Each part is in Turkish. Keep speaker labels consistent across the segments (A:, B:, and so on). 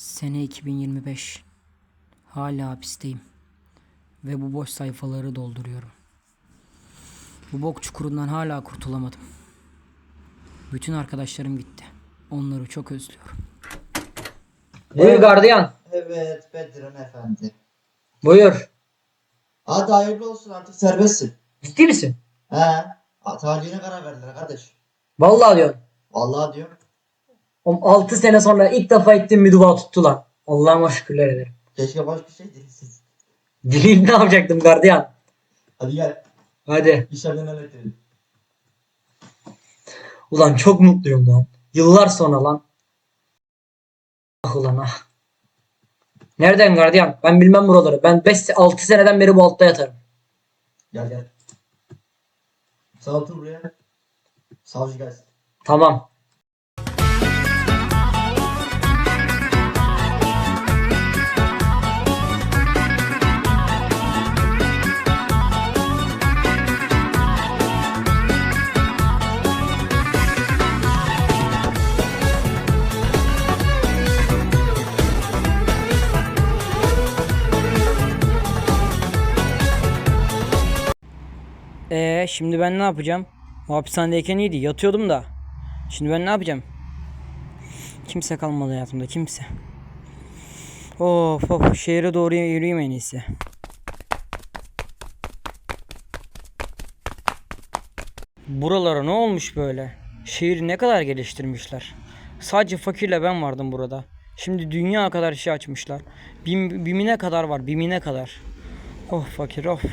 A: Sene 2025. Hala hapisteyim. Ve bu boş sayfaları dolduruyorum. Bu bok çukurundan hala kurtulamadım. Bütün arkadaşlarım gitti. Onları çok özlüyorum.
B: Buyur gardiyan.
C: Evet Bedran efendi.
B: Buyur.
C: Hadi hayırlı olsun, artık serbestsin.
B: Ciddi misin?
C: He. Talihine karar verdiler kardeş.
B: Vallahi diyorsun.
C: Vallahi diyorum.
B: 6 sene sonra ilk defa ettiğim bir dua tuttu lan. Allah'ıma şükürler ederim.
C: Keşke başka bir şey değilsiz.
B: Dileyim ne yapacaktım gardiyan?
C: Hadi gel.
B: Hadi.
C: İçeriden halledelim.
B: Ulan çok mutluyum lan. Yıllar sonra lan. Ah ulan ah. Nereden gardiyan? Ben bilmem buraları. Ben 5-6 seneden beri bu altta yatarım.
C: Gel gel. Sağ otur buraya. Savcı gelsin.
B: Tamam.
A: Şimdi ben ne yapacağım? O hapishanedeyken iyiydi. Yatıyordum da. Şimdi ben ne yapacağım? Kimse kalmadı hayatımda. Kimse. Of şehre doğru yürüyeyim en iyisi. Buralara ne olmuş böyle? Şehri ne kadar geliştirmişler. Sadece fakirle ben vardım burada. Şimdi dünya kadar şey açmışlar. Bimine kadar var. Bimine kadar. Oh fakir of.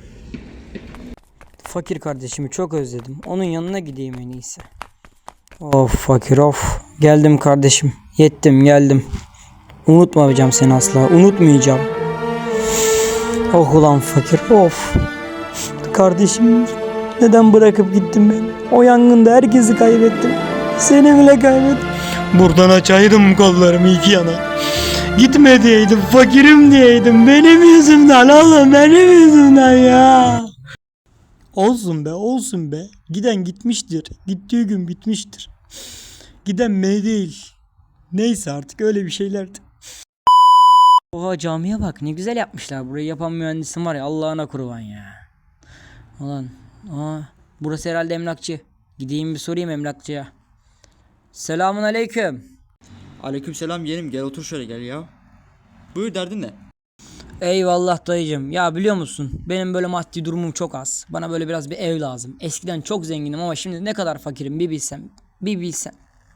A: Fakir kardeşimi çok özledim. Onun yanına gideyim en iyisi. Of fakir of. Geldim kardeşim. Yettim geldim. Unutmayacağım seni asla. Unutmayacağım. Oh ulan fakir of. Kardeşim neden bırakıp gittin beni? O yangında herkesi kaybettim. Seni bile kaybettim. Buradan açaydım kollarımı iki yana. Gitme diyeydim, fakirim diyeydim. Benim yüzümden oğlum, benim yüzümden ya. Olsun be, olsun be. Giden gitmiştir. Gittiği gün bitmiştir. Giden beni değil. Neyse artık öyle bir şeylerdi. Oha camiye bak, ne güzel yapmışlar. Burayı yapan mühendisim var ya, Allah'ına kurban ya. Ulan, burası herhalde emlakçı. Gideyim bir sorayım emlakçıya. Selamun aleyküm.
D: Aleykümselam yeğenim, gel otur şöyle gel ya. Buyur, derdin ne?
A: Eyvallah dayıcım. Ya biliyor musun? Benim böyle maddi durumum çok az. Bana böyle biraz bir ev lazım. Eskiden çok zenginim ama şimdi ne kadar fakirim bir bilsem. Bir bilsem.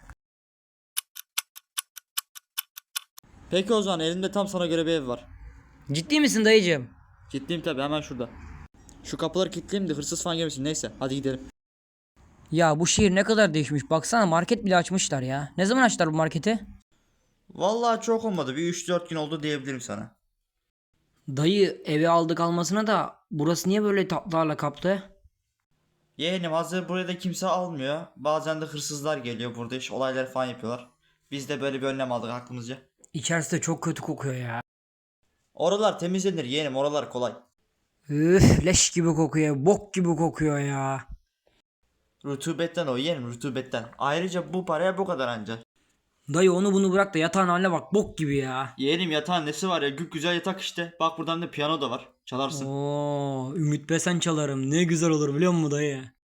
D: Peki o zaman elimde tam sana göre bir ev var.
A: Ciddi misin dayıcım?
D: Ciddiyim tabi, hemen şurada. Şu kapıları kilitleyeyim de hırsız falan gelmesin, neyse hadi gidelim.
A: Ya bu şehir ne kadar değişmiş. Baksana market bile açmışlar ya. Ne zaman açtılar bu marketi?
D: Vallahi çok olmadı, bir 3-4 gün oldu diyebilirim sana.
A: Dayı evi aldık almasına da burası niye böyle tatlarla kaplı?
D: Yeğenim, hazır buraya da kimse almıyor. Bazen de hırsızlar geliyor, burada iş olaylar falan yapıyorlar. Biz de böyle bir önlem aldık aklımızca.
A: İçerisi de çok kötü kokuyor ya.
D: Oralar temizlenir yeğenim, oralar kolay.
A: Üf leş gibi kokuyor. Bok gibi kokuyor ya.
D: Rutubetten o yeğenim, rutubetten. Ayrıca bu paraya bu kadar ancak.
A: Dayı onu bunu bırak da yatağın haline bak. Bok gibi ya.
D: Yeğenim, yatağın nesi var ya, güzel yatak işte. Bak buradan da piyano da var, çalarsın.
A: Oo, Ümit Besen çalarım. Ne güzel olur biliyor musun dayı?